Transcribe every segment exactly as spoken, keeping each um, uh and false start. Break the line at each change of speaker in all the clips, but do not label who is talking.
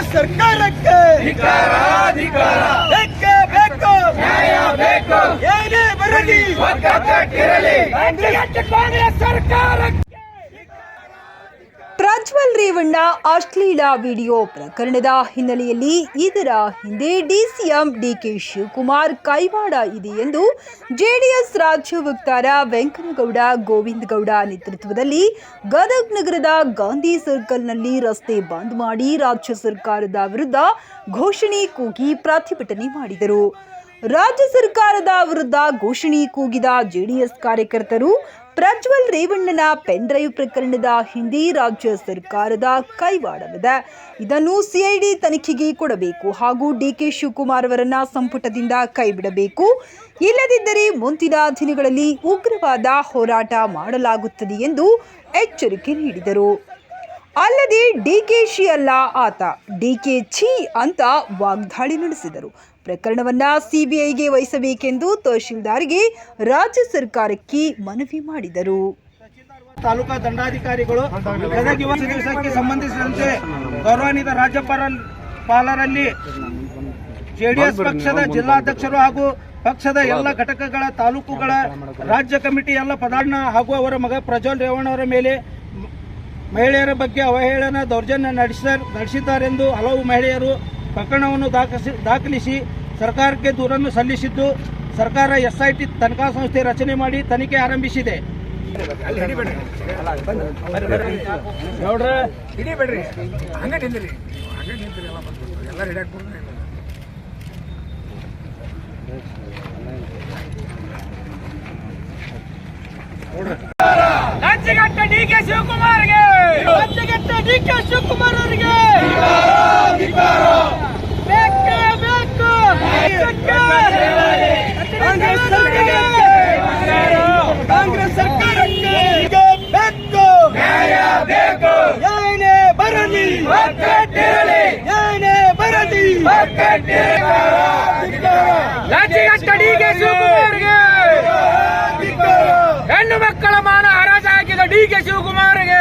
ಸರ್ಕಾರಕ್ಕೆ ಬೇಕೇ ಬೇಕು, ನ್ಯಾಯ ಬೇಕು, ಏನೇ ಬರಲಿ ಕಾಂಗ್ರೆಸ್ ಸರ್ಕಾರಕ್ಕೆ.
ಪ್ರಜ್ವಲ್ ರೇವಣ್ಣ ಅಶ್ಲೀಲ ವಿಡಿಯೋ ಪ್ರಕರಣದ ಹಿನ್ನೆಲೆಯಲ್ಲಿ ಇದರ ಹಿಂದೆ ಡಿಸಿಎಂ ಡಿಕೆ ಶಿವಕುಮಾರ್ ಕೈವಾಡ ಇದೆ ಎಂದು ಜೆಡಿಎಸ್ ರಾಜ್ಯ ವಕ್ತಾರ ವೆಂಕನಗೌಡ ಗೋವಿಂದ ಗೌಡ ನೇತೃತ್ವದಲ್ಲಿ ಗದಗ ನಗರದ ಗಾಂಧಿ ಸರ್ಕಲ್ನಲ್ಲಿ ರಸ್ತೆ ಬಂದ್ ಮಾಡಿ ರಾಜ್ಯ ಸರ್ಕಾರದ ವಿರುದ್ಧ ಘೋಷಣೆ ಕೂಗಿ ಪ್ರತಿಭಟನೆ ಮಾಡಿದರು. ರಾಜ್ಯ ಸರ್ಕಾರದ ವಿರುದ್ಧ ಘೋಷಣೆ ಕೂಗಿದ ಜೆಡಿಎಸ್ ಕಾರ್ಯಕರ್ತರು ಪ್ರಜ್ವಲ್ ರೇವಣ್ಣನ ಪೆನ್ ಡ್ರೈವ್ ಪ್ರಕರಣದ ಹಿಂದೆ ರಾಜ್ಯ ಸರ್ಕಾರದ ಕೈವಾಡವಿದೆ, ಇದನ್ನು ಸಿಐಡಿ ತನಿಖೆಗೆ ಕೊಡಬೇಕು ಹಾಗೂ ಡಿಕೆ ಶಿವಕುಮಾರ್ ಅವರನ್ನ ಸಂಪುಟದಿಂದ ಕೈಬಿಡಬೇಕು, ಇಲ್ಲದಿದ್ದರೆ ಮುಂದಿನ ದಿನಗಳಲ್ಲಿ ಉಗ್ರವಾದ ಹೋರಾಟ ಮಾಡಲಾಗುತ್ತದೆ ಎಂದು ಎಚ್ಚರಿಕೆ ನೀಡಿದರು. ಅಲ್ಲದೆ ಡಿಕೆಶಿ ಅಲ್ಲ ಆತ, ಡಿಕೆ ಛೀ ಅಂತ ವಾಗ್ದಾಳಿ ನಡೆಸಿದರು. ಪ್ರಕರಣವನ್ನ ಸಿಬಿಐಗೆ ವಹಿಸಬೇಕೆಂದು ತಹಶೀಲ್ದಾರ್ಗೆ ರಾಜ್ಯ ಸರ್ಕಾರಕ್ಕೆ ಮನವಿ ಮಾಡಿದರು.
ತಾಲೂಕಾ ದಂಡಾಧಿಕಾರಿಗಳು ಗದಗ ಯುವ ದಿವಸಕ್ಕೆ ಸಂಬಂಧಿಸಿದಂತೆ ಗೌರವಾನ್ವಿತ ರಾಜ್ಯಪಾಲರಲ್ಲಿ ಜೆಡಿಎಸ್ ಪಕ್ಷದ ಜಿಲ್ಲಾಧ್ಯಕ್ಷರು ಹಾಗೂ ಪಕ್ಷದ ಎಲ್ಲ ಘಟಕಗಳ ತಾಲೂಕುಗಳ ರಾಜ್ಯ ಕಮಿಟಿ ಎಲ್ಲ ಪದಾರ್ಥ ಹಾಗೂ ಅವರ ಮಗ ಪ್ರಜ್ವಲ್ ರೇವಣ್ಣ ಅವರ ಮೇಲೆ ಮಹಿಳೆಯರ ಬಗ್ಗೆ ಅವಹೇಳನ ದೌರ್ಜನ್ಯ ನಡೆಸಿದ್ದಾರೆಂದು ಹಲವು ಮಹಿಳೆಯರು ಪ್ರಕರಣವನ್ನು ದಾಖಲಿಸಿ ದಾಖಲಿಸಿ ಸರ್ಕಾರಕ್ಕೆ ದೂರನ್ನು ಸಲ್ಲಿಸಿದ್ದು, ಸರ್ಕಾರ ಎಸ್ಐಟಿ ತನಿಖಾ ಸಂಸ್ಥೆ ರಚನೆ ಮಾಡಿ ತನಿಖೆ ಆರಂಭಿಸಿದೆ.
ರಾಜ್ಯಘಟ್ಟ ಡಿಕೆ ಶಿವಕುಮಾರ್ಗೆ, ರಾಜ್ಯಘಟ್ಟ ಡಿಕೆ ಶಿವಕುಮಾರ್ ಅವರಿಗೆ ಬೇಕೇ ಬೇಕು, ಕಾಂಗ್ರೆಸ್ ಸರ್ಕಾರಕ್ಕೆ, ಕಾಂಗ್ರೆಸ್ ಸರ್ಕಾರಕ್ಕೆ ಬೇಕು, ನ್ಯಾಯ ಬೇಕು, ಏನೇ ಬರಲಿ ಒಗ್ಗಟ್ಟಿರಲಿ, ಏನೇ ಬರಲಿ ರಾಜ್ಯಘಟ್ಟ ಡಿಕೆ ಶಿವಕುಮಾರ್ಗೆ, ಹೆಣ್ಣು ಮಕ್ಕಳ ಮಾನ ಹರಾಜಾಗಿದ ಡಿಕೆ ಶಿವಕುಮಾರ್ಗೆ,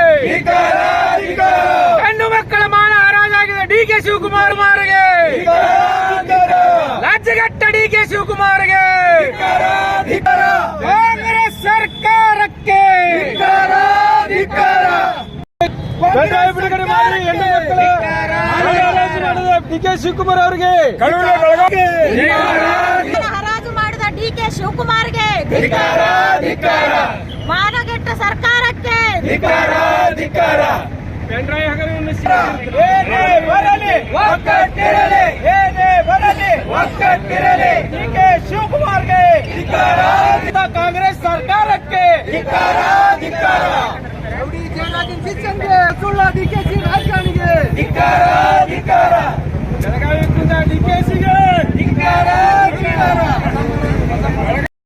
ಹೆಣ್ಣು ಮಕ್ಕಳ ಮಾನ ಹರಾಜಾಗಿದ ಡಿಕೆ ಶಿವಕುಮಾರ್ ಮಾರ್ಗೆ, ರಾಜ್ಯಘಟ್ಟ ಡಿಕೆ ಶಿವಕುಮಾರ್ಗೆ, ಕಾಂಗ್ರೆಸ್ ಸರ್ಕಾರಕ್ಕೆ ಬಿಡುಗಡೆ ಮಾಡಿ ಹೆಣ್ಣು ಮಕ್ಕಳ ಡಿಕೆ ಶಿವಕುಮಾರ್ ಅವರಿಗೆ,
ಹರಾಜು ಮಾಡಿದ ಡಿಕೆ ಶಿವಕುಮಾರ್ಗೆ, ಮಾನಗೆಟ್ಟ ಸರ್ಕಾರಕ್ಕೆ
ಏನೇ ಬರಲಿ ಒಗ್ಗಟ್ಟಿರಲಿ, ಏನೇ ಬರಲಿ ಒಗ್ಗಟ್ಟಿರಲಿ ಡಿಕೆ ಶಿವಕುಮಾರ್ಗೆ, ಕಾಂಗ್ರೆಸ್ ಸರ್ಕಾರಕ್ಕೆ